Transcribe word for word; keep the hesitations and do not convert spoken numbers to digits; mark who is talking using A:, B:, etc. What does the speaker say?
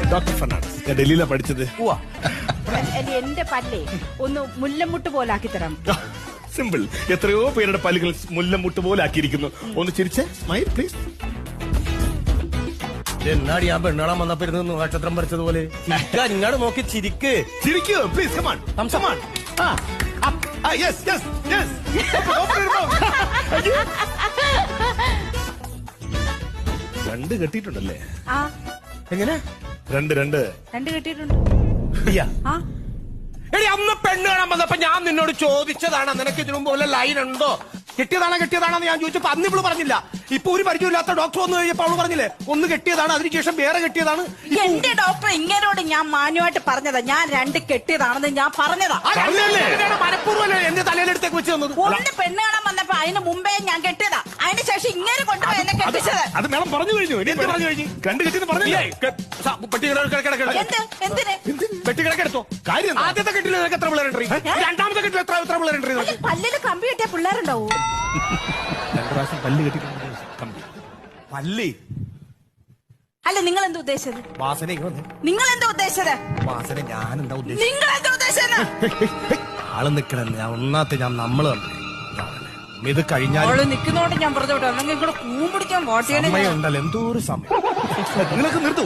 A: Doctor Fernandez. ഞാൻ ഡൽഹിയിലാണ് പഠിച്ചത്.
B: എന്റെ പല്ലേ ഒന്ന് മുല്ലമുട്ട് പോലാക്കി തരാം.
A: സിമ്പിൾ. എത്രയോ പേരുടെ പല്ലുകൾ മുല്ലമുട്ട് പോലെ ആക്കിയിരിക്കുന്നു. ഒന്ന് ചിരിച്ച് സ്മൈൽ പ്ലീസ്.
C: എന്നാടി ഞാൻ പെണ്ണാളാൻ വന്നപ്പോ ഇരുന്ന് നക്ഷത്രം പറിച്ചതുപോലെ ഇങ്ങോട്ട് നോക്കി ചിരിക്ക്.
A: ചിരിക്കൂ please. Come on come on. Yes yes yes. രണ്ട് കെട്ടിയിട്ടുണ്ടല്ലേ?
B: ആ
C: എങ്ങനെ?
A: രണ്ട് രണ്ട്
B: രണ്ട് കെട്ടിയിട്ടുണ്ട്. ആ
C: എടി അന്ന് പെണ്ണ് കാണാൻ വന്നപ്പോ ഞാൻ നിന്നോട് ചോദിച്ചതാണ് നിനക്ക് ഇതിനു മുമ്പ് വല്ല ലൈൻ ഉണ്ടോ, കെട്ടിയതാണോ കെട്ടിയതാണെന്ന് ഞാൻ ചോദിച്ചപ്പോ അന്ന് ഇവള് പറഞ്ഞില്ല. ഇപ്പൊ ഒരു പരിചയമില്ലാത്ത ഡോക്ടർ വന്നു കഴിഞ്ഞപ്പോ അവള് പറഞ്ഞില്ലേ ഒന്ന് കെട്ടിയതാണ്, അതിനുശേഷം വേറെ കെട്ടിയതാണ്.
B: എന്റെ ഡോക്ടർ ഇങ്ങനോട് ഞാൻ മാന്യമായിട്ട് പറഞ്ഞതാ, ഞാൻ രണ്ട് കെട്ടിയതാണെന്ന് ഞാൻ പറഞ്ഞതാ.
C: മനഃപൂർവ്വം എന്റെ തലയിലെടുത്തേക്ക് വെച്ച് തന്നത്.
B: ഒന്ന് പെണ്ണ് കാണാൻ വന്നപ്പോ അതിന് മുമ്പേ ഞാൻ കെട്ടിയതാ, അതിന് ശേഷം ഇങ്ങനെ കൊണ്ടുപോയി എന്നെ കെട്ടിച്ചത്.
A: അത് മേളം പറഞ്ഞു കഴിഞ്ഞു. എന്ത് പറഞ്ഞു കഴിഞ്ഞു? രണ്ട് കെട്ടിന്ന് പറഞ്ഞില്ലേ?
B: എന്ത് എന്തിന്
C: പെട്ടി കിടക്കെടുത്തോ കാര്യം. ആദ്യത്തെ കെട്ടിൽ നിനക്ക് എത്ര പിള്ളേരുണ്ട്? രണ്ടാമത്തെ കെട്ടിൽ എത്ര എത്ര പിള്ളേരുണ്ട്?
B: പല്ലില് കമ്പി കെട്ടിയ പിള്ളേരുണ്ടാവൂ.
A: രണ്ടു പ്രാവശ്യം പല്ല് കെട്ടിട്ടുണ്ട്. കമ്പി
C: പല്ലി
B: അല്ല നിങ്ങൾ എന്താ ഉദ്ദേശിച്ചത്?
C: വാസന
B: നിങ്ങൾ എന്താ ഉദ്ദേശിച്ചത്?
C: വാസന ഞാൻ എന്താ ഉദ്ദേശിച്ചത്?
B: നിങ്ങൾ എന്താ ഉദ്ദേശിച്ചത്?
C: ആള് നിക്കണെന്ന് ഞാൻ ഒന്നാത്തെ ഞാൻ നമ്മള് ഇത് കഴിഞ്ഞാൽ
B: അവള് നിക്കുന്നോണ്ട് ഞാൻ പറഞ്ഞു വിട്ടു, അല്ലെങ്കിൽ ഇവിടെ കൂമ്പിടിക്കാൻ വോട്ട് ചെയ്യണേ.
C: സമയം ഉണ്ടല്ലോ, എന്തോ ഒരു സമയം.
A: നിങ്ങൾക്ക് നിർത്തു.